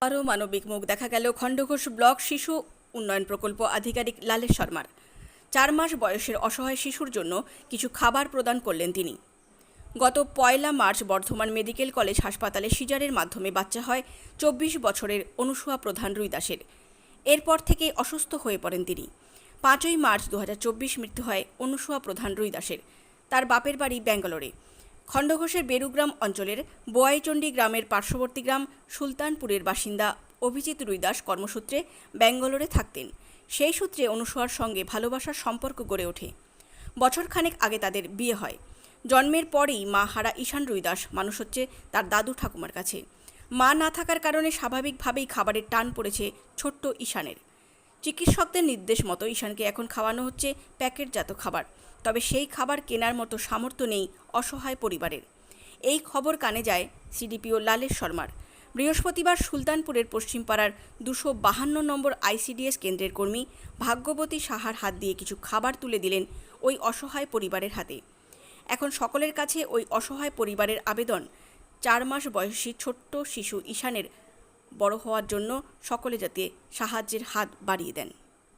আরও মানবিক মুখ দেখা গেল খণ্ডঘোষ ব্লক শিশু উন্নয়ন প্রকল্প আধিকারিক লালেশ শর্মার। 4 মাস বয়সের অসহায় শিশুর জন্য কিছু খাবার প্রদান করলেন তিনি। গত 1 মার্চ বর্ধমান মেডিকেল কলেজ হাসপাতালে সিজারের মাধ্যমে বাচ্চা হয় 24 বছরের অনুসুয়া প্রধান রুই দাসের। এরপর থেকে অসুস্থ হয়ে পড়েন তিনি। 5 মার্চ 2024 মৃত্যু হয় অনুসুয়া প্রধান রুই দাসের। তার বাপের বাড়ি ব্যাঙ্গালোরে। খণ্ডঘোষের বেরুগ্রাম অঞ্চলের বোয়াইচণ্ডী গ্রামের পার্শ্ববর্তী গ্রাম সুলতানপুরের বাসিন্দা অভিজিৎ রুইদাস কর্মসূত্রে ব্যাঙ্গালোরে থাকতেন। সেই সূত্রে অনুসুয়ার সঙ্গে ভালোবাসার সম্পর্ক গড়ে ওঠে। বছরখানেক আগে তাদের বিয়ে হয়। জন্মের পরেই মা হারা ঈশান রুইদাস মানুষ হচ্ছে তার দাদু ঠাকুমার কাছে। মা না থাকার কারণে স্বাভাবিকভাবেই খাবারের টান পড়েছে ছোট্ট ঈশানের। চিকিৎসকদের নির্দেশ মতো ঈশানকে এখন খাওয়ানো হচ্ছে প্যাকেটজাত খাবার। তবে সেই খাবার কেনার মতো সামর্থ্য নেই অসহায় পরিবারের। এই খবর কানে যায় সিডিপিও লালেশ শর্মার। বৃহস্পতিবার সুলতানপুরের পশ্চিমপাড়ার 252 নম্বর আইসিডিএস কেন্দ্রের কর্মী ভাগ্যবতী সাহার হাত দিয়ে কিছু খাবার তুলে দিলেন ওই অসহায় পরিবারের হাতে। এখন সকলের কাছে ওই অসহায় পরিবারের আবেদন, 4 মাস বয়সী ছোট্ট শিশু ঈশানের বড় হওয়ার জন্য সকলে যাতে সাহায্যের হাত বাড়িয়ে দেন।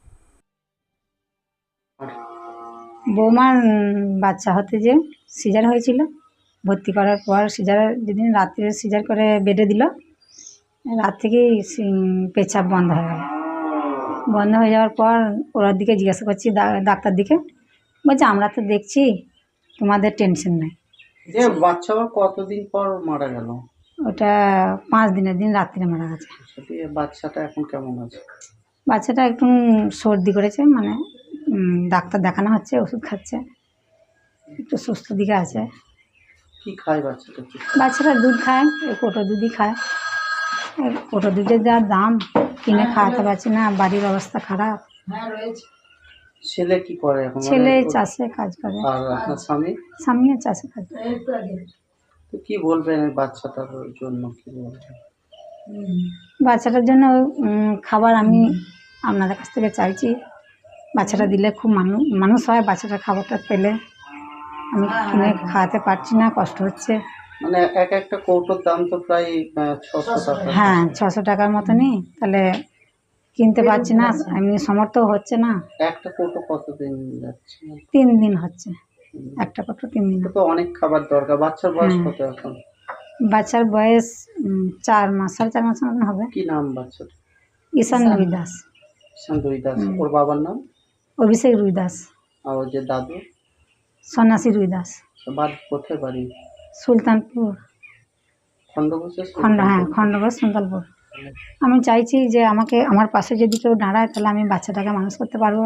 বৌমার বাচ্চা হতে যে সিজার হয়েছিল, ভর্তি করার পর সিজার যেদিন রাত্রে সিজার করে বেডে দিল, রাত থেকেই পেচ্ছাপ বন্ধ হয়ে গেল। বন্ধ হয়ে যাওয়ার পর ওর দিকে জিজ্ঞাসা করছি ডাক্তার দিকে, বলছে আমরা তো দেখছি তোমাদের টেনশন নাই। যে বাচ্চা কতদিন পর মারা গেল? ওটা 5 দিনের দিন রাত্রে মারা গেছে। বাচ্চাটা এখন কেমন আছে? বাচ্চাটা একটু সর্দি করেছে, মানে ডাক্তার দেখানো হচ্ছে, ওষুধ খাচ্ছে, একটু সুস্থ দিকে আছে। কি খায় বাচ্চাটা? বাচ্চারা দুধ খায়, এই কোটো দুধই খায়। কোটো দুধের যা দাম, কিনে খাওয়াতে পারছি না, বাড়ির অবস্থা খারাপ। ছেলে কি করে এখন? ছেলে চাষে কাজ করে। আর আপনার স্বামী? স্বামীও চাষে কাজ করে। তো কি বলবেন এই বাচ্চাটার জন্য? কি বলবেন বাচ্চাটার জন্য খাবার আমি আপনাদের কাছ থেকে চাইছি। বাচ্চাটা দিলে খুব মানুষ হয়। বাচ্চাটার খাবারটা পেলে আমি কিনে খাওয়াতে পারছি না, কষ্ট হচ্ছে। মানে একটা কৌটোর দাম তো প্রায় 600 টাকা। হ্যাঁ, 600 টাকার মতনই। তাহলে কিনতে পারছি না, এমনি সমর্থ হচ্ছে না। একটা কৌটো কতদিন যাচ্ছে? 3 দিন হচ্ছে, একটা কৌটো 3 দিন। তো অনেক খাবার দরকার। বাচ্চার বয়স কত এখন? বাচ্চার বয়স 4 মাস, 4.5 মাস মতন হবে। কি নাম বাচ্চার? ঈশান রুইদাস। ঈশান রুইদাস। ওর বাবার নাম? অভিষেক রুইদাস। আর ওর যে দাদু? সন্ন্যাসী রুইদাস। বাড়ি কোথায়? বাড়ি সুলতানপুর। খণ্ডঘোষের? হ্যাঁ, খণ্ডঘোষ সুলতানপুর। আমি চাইছি যে আমাকে আমার পাশে যদি কেউ দাঁড়ায়, তাহলে আমি বাচ্চাটাকে মানুষ করতে পারবো।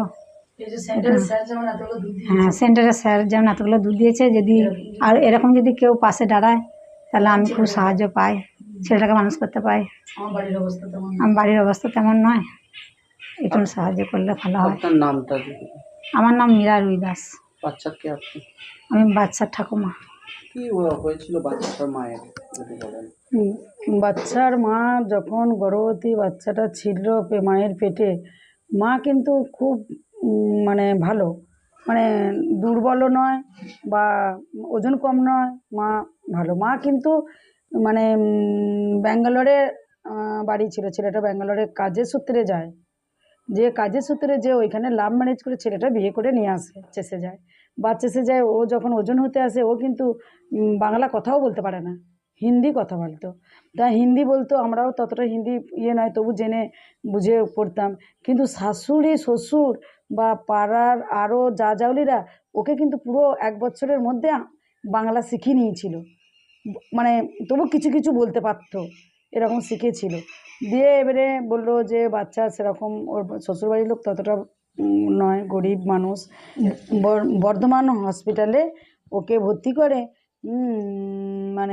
হ্যাঁ, সেন্টারের স্যার যেমন এতগুলো দুধ দিয়েছে, যদি আর এরকম যদি কেউ পাশে দাঁড়ায়, তাহলে আমি খুব সাহায্য পাই, ছেলেটাকে মানুষ করতে পাই। আমার বাড়ির অবস্থা তেমন নয়, একটু সাহায্য করলে ভালো হয়। আপনার নামটা? আমার নাম মীরা রুইদাস। বাচ্চার কে আপনি? আমি বাচ্চার ঠাকুমা। কি হয়েছিল বাচ্চাটার মায়ের যদি বলেন? বাচ্চার মা যখন গর্ভবতী বাচ্চাটা ছিল মায়ের পেটে, মা কিন্তু খুব মানে ভালো, মানে দুর্বলও নয় বা ওজন কম নয়, মা ভালো। মা কিন্তু মানে ব্যাঙ্গালোরে বাড়ি ছিল, ছেলেটা ব্যাঙ্গালোরে কাজের সূত্রে যায়, যে কাজের সূত্রে যে ওইখানে লাভ ম্যারেজ করে ছেলেটা বিয়ে করে নিয়ে আসে, চেষে যায়, চেষে যায়। ও যখন ওজন হতে আসে, ও কিন্তু বাংলা কথাও বলতে পারে না, হিন্দি কথা বলতো। তা হিন্দি বলতো, আমরাও ততটা হিন্দি নয়, তবু জেনে বুঝে পড়তাম। কিন্তু শাশুড়ি শ্বশুর বা পাড়ার আরও জাউলিরা ওকে কিন্তু পুরো 1 বছরের মধ্যে বাংলা শিখিয়ে নিয়েছিল, মানে তবু কিছু কিছু বলতে পারতো, এরকম শিখেছিল। দিয়ে এবারে বললো যে বাচ্চা সেরকম, ওর শ্বশুরবাড়ির লোক ততটা নয়, গরিব মানুষ। বর্ধমান হসপিটালে ওকে ভর্তি করে, মানে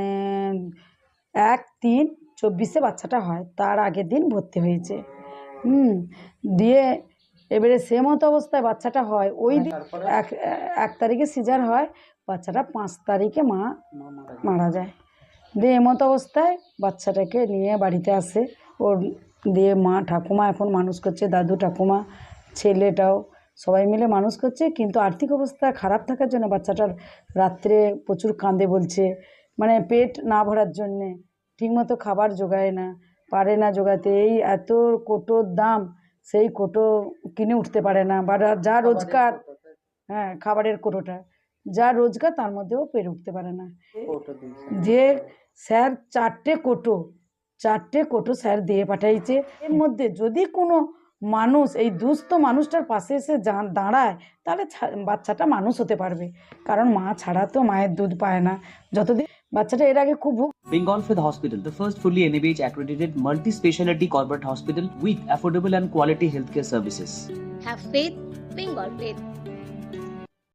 1/3/24 বাচ্চাটা হয়, তার আগের দিন ভর্তি হয়েছে। দিয়ে এবারে সে মতো অবস্থায় বাচ্চাটা হয়, ওই দিন 1 তারিখে সিজার হয়, বাচ্চাটা 5 তারিখে মারা যায়। দিয়ে এমতো অবস্থায় বাচ্চাটাকে নিয়ে বাড়িতে আসে ওর, দিয়ে মা ঠাকুমা এখন মানুষ করছে, দাদু ঠাকুমা ছেলেটাও সবাই মিলে মানুষ করছে। কিন্তু আর্থিক অবস্থা খারাপ থাকার জন্য বাচ্চাটার রাত্রে প্রচুর কাঁদে বলছে, মানে পেট না ভরার জন্যে, ঠিকমতো খাবার জোগায় না। পারে না জোগাতে। এই এত কোটোর দাম, সেই কোটো কিনে উঠতে পারে না, বা যা রোজগার, হ্যাঁ খাবারের কোটোটা যা রোজগার তার মধ্যেও পেরে উঠতে পারে না। ওটা দিয়েছে। যে স্যার চারটে কোটো স্যার দিয়ে পাঠাইছে। এর মধ্যে যদি কোনো মানুষ এই দুস্থ মানুষটার পাশে এসে দাঁড়ায়, তাহলে বাচ্চাটা মানুষ হতে পারবে। কারণ মা ছাড়া তো মায়ের দুধ পায় না। যতদিন বাচ্চাটা এর আগে খুব Bengal Fifth Hospital, the first fully NABH accredited multi-speciality corporate hospital with affordable and quality healthcare services. Have faith, Bengal faith.